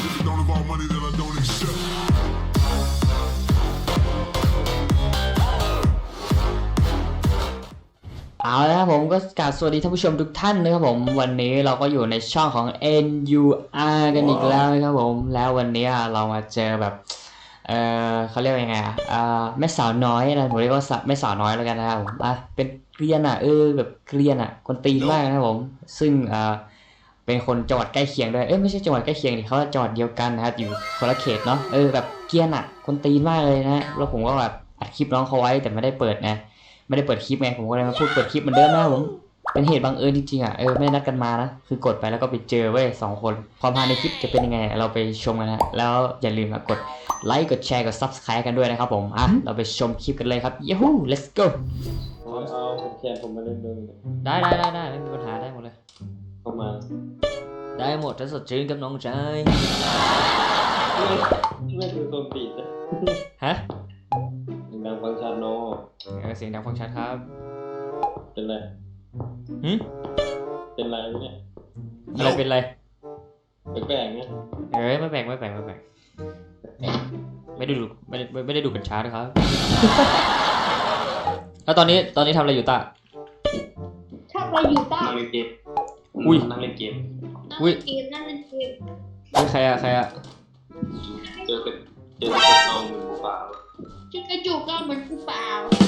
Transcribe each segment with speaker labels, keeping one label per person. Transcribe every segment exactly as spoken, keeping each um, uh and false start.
Speaker 1: เอาละครับผมก็กราบสวัสดีท่านผู้ชมทุกท่านนะครับผมวันนี้เราก็อยู่ในช่องของ เอ็น ยู อาร์ กันอีกแล้วนะครับผมแล้ววันนี้เรามาเจอแบบเออเขาเรียกว่ายังไงอ่ะอ่าแม่สาวน้อยนะผมเรียกว่าแม่สาวน้อยแล้วกันนะครับผมอ่ะเป็นเกรียนอ่ะเออแบบเกรียนอ่ะคนตีนมากนะครับผมซึ่งอ่าเป็นคนจังหวัดใกล้เคียงด้วยเอ้ยไม่ใช่จังหวัดใกล้เคียงดิเขาจังหวัดเดียวกันนะครับอยู่คนละเขตเนาะเออแบบเกรียนอ่ะคนตีนมากเลยนะแล้วผมก็แบบอัดคลิปน้องเขาไว้แต่ไม่ได้เปิดนะไม่ได้เปิดคลิปไงผมก็เลยมาพูดเปิดคลิปเหมือนเดิมนะผมเป็นเหตุบังเอิญจริงๆอ่ะเออไม่ได้นัดกันมานะคือกดไปแล้วก็ไปเจอเว้ยสองคนความฮาในคลิปจะเป็นยังไงเราไปชมกันนะแล้วอย่าลืมกดไลค์กดแชร์กด ซับสไครบ์ กันด้วยนะครับผมอ่ะเราไปชมคลิปกันเลยครับยูฮู let's go
Speaker 2: เอาเอาผมแขนผมมาเล่นด้วย
Speaker 1: ได้ได้ได้ได้ไม่มีปัญหาได้หมดเลย
Speaker 2: เข้ามา
Speaker 1: ได้หมดถ้าสดชื่นกับน้องชาย
Speaker 2: ไม่คือตัวปีดนะ
Speaker 1: ฮะ
Speaker 2: ดังฟังชันโน
Speaker 1: เออเสียงดังฟังชัดครับ
Speaker 2: เป็นไร
Speaker 1: หืม
Speaker 2: เป็นไรเนี่ย
Speaker 1: อะไรเป็นไร
Speaker 2: แปลกๆเนี่ย
Speaker 1: เอ้ยไม่แปลกไม่แปลกไม่แปลกไม่ได้ดูไม่ได้ไม่ได้ดูกัญชาด้วยครับ แล้วตอนนี้ตอนนี้ทำอะไรอยู่ตา
Speaker 3: ชอบอะไรอยู่ต้า
Speaker 2: นั่งเล่นเกม
Speaker 1: อุ้ย
Speaker 2: นั่งเล่นเกม
Speaker 1: อุ้ย
Speaker 3: เกมนั่นเป็นเกม
Speaker 1: เฮ้ยใครอะใครอะ
Speaker 2: เจอเป็นเจอเป็นน้องเหมือนหมูป่า
Speaker 3: ชุดกระจุกก็เหมือนกูเปล่า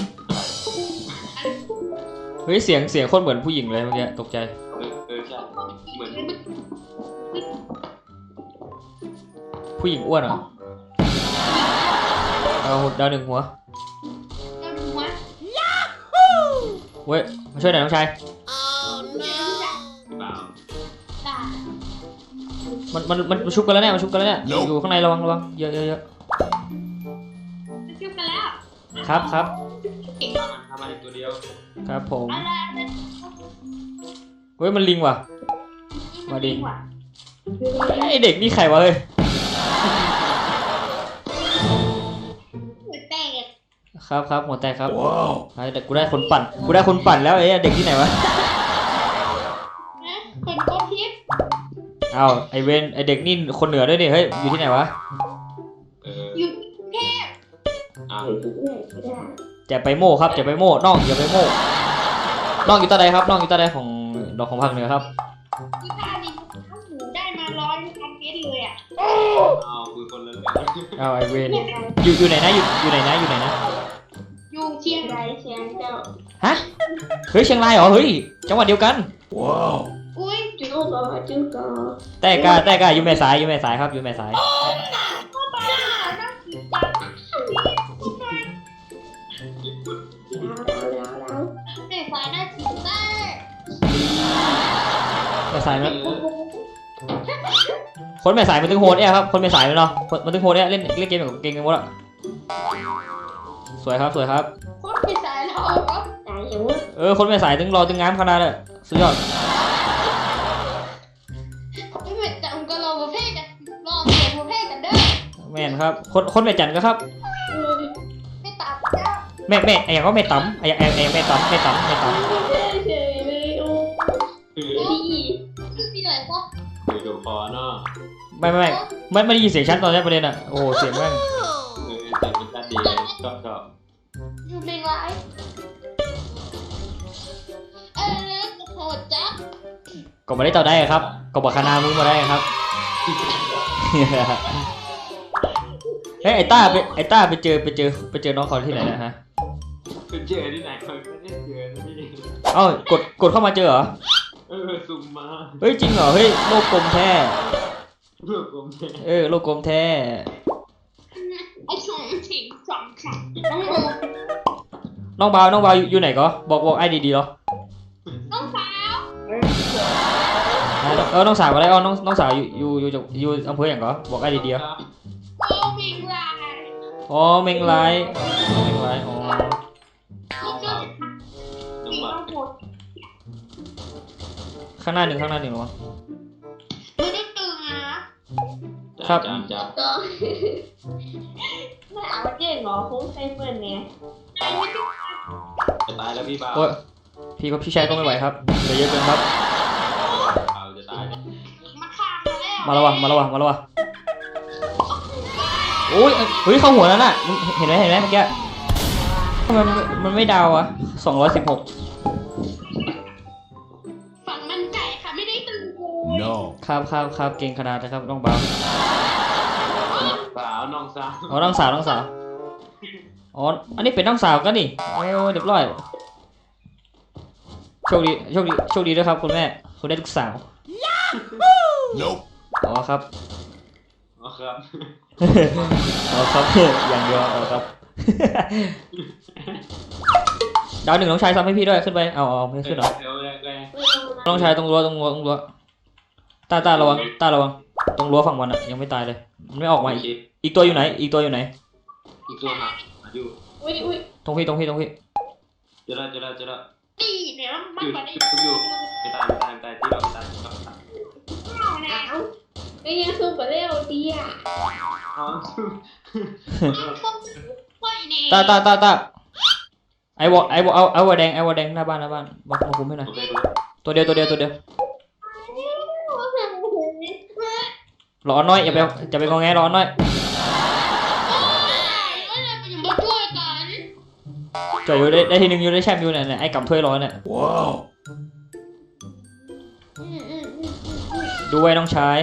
Speaker 1: เฮ้ยเสียงเสียงโคตรเหมือนผู้หญิงเลยเมื่อกี้ตกใจ
Speaker 2: เออเออใช่เหมือน
Speaker 1: ผู้หญิงอ้วนเหรอเอาดาวหนึ่งหัว
Speaker 3: ก็ดูวะ
Speaker 1: เว้ยมาช่วยหน่อยน้องชาย
Speaker 3: เนื้อแบบ
Speaker 2: เปล่า
Speaker 3: ตา
Speaker 1: มันมันมันชุบกันแล้วเนี่ยมันชุบกันแล้วเนี่ยอยู่ข้างในระวังระวังเยอะเยอะเยอะ
Speaker 3: จะชุบกันแล้ว
Speaker 1: ครับครับ
Speaker 3: เก่ง
Speaker 2: ทำมันทำมันอีกตัวเดียว
Speaker 1: ครับผม
Speaker 3: อะไรอะไร
Speaker 1: เฮ้ยมันลิงว่ะ
Speaker 3: มาดีกว่า
Speaker 1: ไอเด็กนี่ใครวะเฮ้ย
Speaker 3: หัวแตก
Speaker 1: ครับครับหัวแตกครับไอ้แต่กูได้คนปั่นกูได้คนปั่นแล้วไอ้เด็กที่ไหนวะ
Speaker 3: นะคนโคตรทิพย์
Speaker 1: อ้าวไอเวนไอเด็กนี่คนเหนือด้วยนี่เฮ้ยอยู่ที่ไหนวะ
Speaker 2: เออ
Speaker 3: อยู่กรุงเทพ
Speaker 2: อ้าว
Speaker 1: จะไปโม่ครับจะไปโม่น้องอย่าไปโม่น้องอยู่ตาใดครับน้องอยู่ตาใดของดอกของภาคเหนือครับ
Speaker 3: ที่ท่าดินข้าวหมูได้มาร้อยพันเมตรเลยอ่ะ
Speaker 2: อ้าวคือคนละเรื่อง
Speaker 1: อ้าวไอเวนอยู่อยู่ไหนนะอยู่อยู่ไหนนะอยู่ไหนนะ
Speaker 3: อยู่เชียงรายเชียงเจ้า
Speaker 1: ฮะเฮ้ยเชียงรายเหรอเฮ้ยจังหวัดเดียวกัน
Speaker 3: อุ้ยจุ๊กก็จุ๊กก็
Speaker 1: แต่กาแต่กาอยู่แม่สายอยู่แม่สายครับอยู่แม่สาย
Speaker 3: เข้าไปหาหน้าสีจังเด็กสายหน้าสีแต้
Speaker 1: แม่สายมั้ยคนแม่สายมันถึงโหดเนี่ยครับคนแม่สายเนาะมันถึงโหดเนี่ยเล่นเล่นเกมแบบเก่งกันหมดอะสวยครับสวยครับ
Speaker 3: โคตรเป็นสายเราก็สายอยู่
Speaker 1: เออคนแม่สายถึงรอถึงงามขนาดเลยสุดยอด
Speaker 3: ไม่เป็นแต่องค์กรเราประเภทกันรอเปลี่ยนประเภทกันเด้อ
Speaker 1: แม่นครับคนคนแม่จันก็ครับ
Speaker 3: ไม่ตัดเจ้า
Speaker 1: แม่แม่ไอ้ยังก็แม่ต๋ำไอ้ไอ้ไอ้แม่ต๋ำแม่ต๋ำแม่ต๋
Speaker 3: เฉยเลยโอ้
Speaker 2: คือ
Speaker 3: ดีที่ไหนก็
Speaker 2: คือดูคอเนาะ
Speaker 1: ำไม่ไม่ไม่ไม่ไม่ได้ยินเสียงชัดตอนแรกประเด็นอะโอ้โหเสียงแม่ง
Speaker 2: คือแต่งเป็นชาติดีเลยชอบชอบ
Speaker 3: อยู่ในไลฟ์เออโหดจัง
Speaker 1: ก็มาได้ต่อได้ครับก็บอกคณะมึงมาได้ครับ เฮ้ยไอ้ต้าไปไอ้ต้าไปเจอไปเจอไปเจอน้องเขาที่ไหนนะฮะ
Speaker 2: คือเจอที่ไหนเขาไม่ได้เจอนะพี่
Speaker 1: เอ้ากดกดเข้ามาเจอเหรอ
Speaker 2: เออซุ่มมา
Speaker 1: เฮ้ยจริงเหรอเฮ้ยโลกกลมแท้
Speaker 2: เพื่อกลมเท
Speaker 1: เออโลกกลมแท้
Speaker 3: ไอ้สองถิงสองขังน้องโม
Speaker 1: น้องบาวน้องบาวอยู่อยู่ไหนก็บอกบอกไอ้ดีๆเหรอ
Speaker 3: น้องสาว
Speaker 1: อ่าเออน้องสาวอะไรอ๋อน้องน้องสาวอยู่อยู่อยู่จากอยู่อำเภออย่างก็บอกไอ้ดีๆเหรอ
Speaker 3: โอ้มิงลาย
Speaker 1: อ๋อเมงไลท์เมงไลท์อ๋อ
Speaker 2: น้องสาวน้อง
Speaker 3: มี
Speaker 2: บ่า
Speaker 3: น้องโหด
Speaker 1: ข้างหน้าหนึ่งข้างหน้าหนึ่งเหรอ
Speaker 3: ไม่ได้ตื่นนะ
Speaker 2: จับจับจับ
Speaker 3: ก็ไม่เอาเก่งเหรอคุ้มใช้เพื่อนเนี่ย
Speaker 2: จะตายแล้วพี่บ่าว
Speaker 1: โอ้ยพี่ก็พี่ชายก็ไม่ไหวครับเหลือเยอะเกินครับ
Speaker 2: บ่าวจะตาย
Speaker 3: มาฆ่ามาแล้ว
Speaker 1: มาแล้ววะมาแล้ววะมาแล้ววะโอ้ยเฮ้ยเข้าหัวแล้วน่ะเห็นไหมเห็นไหมเมื่อกี้มันมันไม่ดาวอะสองร้อยสิบหก
Speaker 3: ฝั่งมันไก่ค่ะไม่ได้ตึงโวย
Speaker 4: No.
Speaker 1: ครับครับครับเก่งขนาดนะครับน้องเบา
Speaker 2: สาวน้องสาว
Speaker 1: อ๋อน้องสาวน้องสาวอ๋ออันนี้เป็นน้องสาวกันนี่โอ้เรียบร้อยโชคดีโชคดีโชคดีด้วยครับคุณแม่คุณได้ลูกสาว
Speaker 4: Nope.
Speaker 1: อ๋อครับ
Speaker 2: อ๋อครับ
Speaker 1: อ๋อครับ อย่างเดียวอ๋อครับ ดาวหนึ่งน้องชายซ้ำให้พี่ด้วยขึ้นไปเอาเอาไม่ขึ้นเหรอ
Speaker 2: เดี๋ยวแรกแรก
Speaker 1: น้องชายตรงรั้วตรงรั้วตรงรั้วตาตาระวังตาระวังตรงรั้วฝั่งมันอะยังไม่ตายเลยมันไม่ออกมาอีกอีกตัวอยู่ไหนอีกตัวอยู่ไหน
Speaker 2: อีกตัวหาอยู่
Speaker 3: อุ้ยอุ้ย
Speaker 1: ตรงพี่ตรงพี่ตรงพี่
Speaker 2: เจอแล้วเจอแล้วเจอแล้ว
Speaker 3: นี่เนี่ยมันมาได้
Speaker 2: อยู่ไม่ตายไม่ตายไม่ตายที่เราตายที่เราตาย
Speaker 3: แล้วไอ้ยังสู้กับเร็วดีอ่ะ
Speaker 2: อ๋อ
Speaker 3: ค่อยเนี่ย
Speaker 1: ตาตาตาตาไอวอไอวอเอาไอวอแดงไอวอแดงหน้าบ้านหน้าบ้านมามาคุมให้หน่อย
Speaker 2: โอเค
Speaker 1: ตัวเดียวตัวเดียวตัวเดียวรอน้อยอย่าไปอย่าไปงอแงรอน้อย
Speaker 3: ก็เลยไปอยู่มาช่วยกัน
Speaker 1: จ่อยอยู่ได้ได้ทีหนึงอยู่ได้แชมป์อยู่เนี่ยเนี่ยไอ้กับถ้วยร้อนเนี่ย
Speaker 4: Wow.
Speaker 1: ดูไว้น้องชาย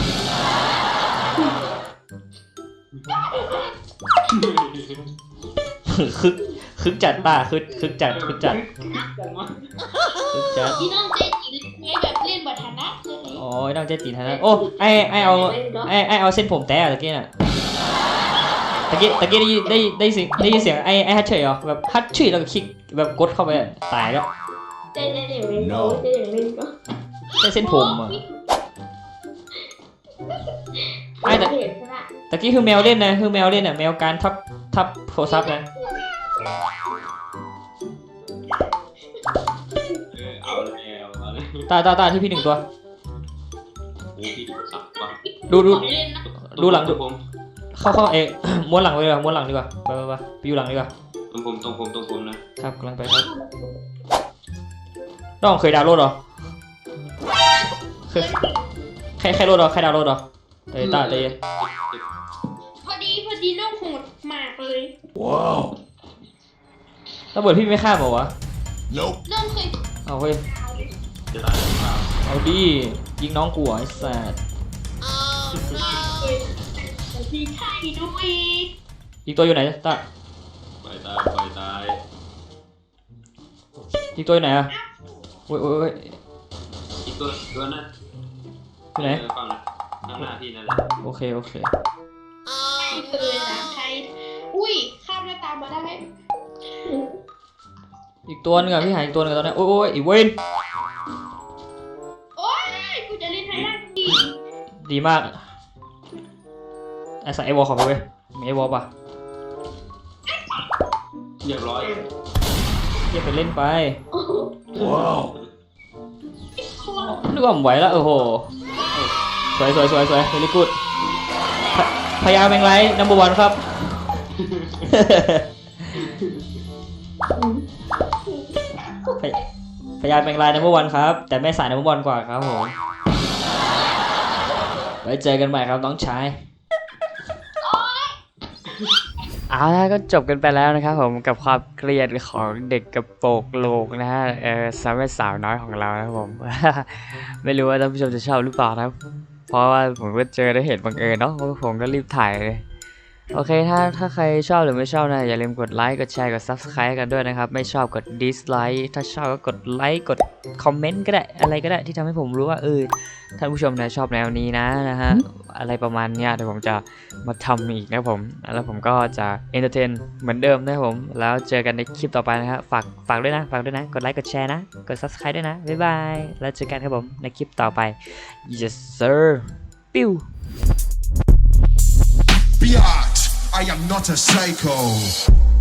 Speaker 1: คึกคึกจัดป่ะคึกคึกจัดคึกจัดคึกจัด
Speaker 3: อีน้องเจ๊จีเล่นแบบเล่นบัตรนะเลย
Speaker 1: โอ้ยน้องเจ๊ตีนฮะโอ้ไอไอเอาไอไอเอาเส้นผมแตะตะกี้น่ะตะกี้ตะกี้ได้ได้ได้เสียงได้ยินเสียงไอไอฮัทเฉยเหรอแบบฮัทเฉยแล้วก็คลิกแบบกดเข้าไปตายแล้ว
Speaker 3: เจ๊เจ๊เจ๊เล่นก็เจ๊เล่นก็
Speaker 1: ได้เส้นผมอ่ะไอแต่ตะกี้คือแมวเล่นนะคือแมวเล่นอ่ะแมวการทับทับโทรศัพท์นะ
Speaker 2: เอาแล้วเอาแล้ว
Speaker 1: ตาตาตาที่พี่หนึ่งตัว
Speaker 2: โอ้พี่สับว่ะ
Speaker 1: ดูดู
Speaker 3: เล่นนะ
Speaker 1: ดูหลังดู
Speaker 2: ผม
Speaker 1: เข้าเข้าเอะ ม้วนหลังเลยดีกว่าม้วนหลังดีกว่าไปไปไปไปอยู่หลังดีกว่า
Speaker 2: ตรงผมตรงผมตรงผมนะครับ
Speaker 1: กำลังไปครับน้องเคยดาวน์โหลดเหรอเคยใครใครโหลดเหรอใครดาวน์โหลดเหรอเตยตาเตย
Speaker 3: พอดีพอดีน้องโหดมากเลย
Speaker 4: Wow.
Speaker 1: ระเบิดพี่ไม่ฆ่าบอกวะ
Speaker 4: Nope.
Speaker 3: น้องเคย
Speaker 1: เอาเฮ้ย
Speaker 2: จะตายหรือเปล่า
Speaker 1: เอาดิยิงน้องกูเหรอไอ้สัส
Speaker 3: ดีไทยด้วย
Speaker 1: อีกตัวอยู่ไหนตา
Speaker 2: ปล่อยตายปล่อยตาย
Speaker 1: อีกตัวอยู่ไหนอะโอ้ยโอ้ยโอ้ย
Speaker 2: อีกตัวตัวนั้น
Speaker 1: อยู่ไหน
Speaker 2: ฝั่งข้างหน้าพี่นั่นแหละ
Speaker 1: โอเคโอเค
Speaker 3: ไม่เคยนะใครอุ้ยข้ามหน้าตามาได้
Speaker 1: อีกตัวหนึงอะพี่หายอีกตัวหนึงอะตอนนี้โอ้ยโอ้ยอีเวน
Speaker 3: โอ้ยกูจะเล่นไทยได้ดี
Speaker 1: ดีมากไอ้สัสไอวอลขอไปเว้ยมีไอวอลป่ะ
Speaker 2: เรียบร้อย
Speaker 1: เยี่ยไปเล่นไป
Speaker 4: Wow.
Speaker 1: นึกว่าผมไหวแล้วโอ้โหสวยสวยสวยสวยเฮลิกูดพยาแมงไลนัมเบอร์วันครับ พยาแมงไลนัมเบอร์วันครับแต่แม่สายนัมเบอร์วันกว่าครับผมไว้เจอกันใหม่ครับน้องชายเอาละก็จบกันไปแล้วนะครับผมกับความเกลียดของเด็กกระโปรงโลกนะฮะเออสาวแม่สาวน้อยของเรานะครับผม ไม่รู้ว่าท่านผู้ชมจะชอบหรือเปล่านะครับเพราะว่าผมก็เจอได้เห็นบังเอิญเนาะผมก็รีบถ่ายเลยโอเคถ้าถ้าใครชอบหรือไม่ชอบนะอย่าลืมกดไลค์กดแชร์กด ซับสไครบ์ กันด้วยนะครับไม่ชอบกด ดิสไลค์ ถ้าชอบก็กดไลค์กดคอมเมนต์ก็ได้อะไรก็ได้ที่ทำให้ผมรู้ว่าเออท่านผู้ชมนะชอบแนวนี้นะนะฮะอะไรประมาณเนี้ยเดี๋ยวผมจะมาทำอีกนะครับผมแล้วผมก็จะเอนเตอร์เทนเหมือนเดิมนะครับผมแล้วเจอกันในคลิปต่อไปนะครับฝากฝากด้วยนะฝากด้วยนะกดไลค์กดแชร์นะกด ซับสไครบ์ ด้วยนะบ๊ายบายแล้วเจอกันครับผมในคลิปต่อไป yes sir ปิ้ว
Speaker 4: Biatch. I am not a psycho.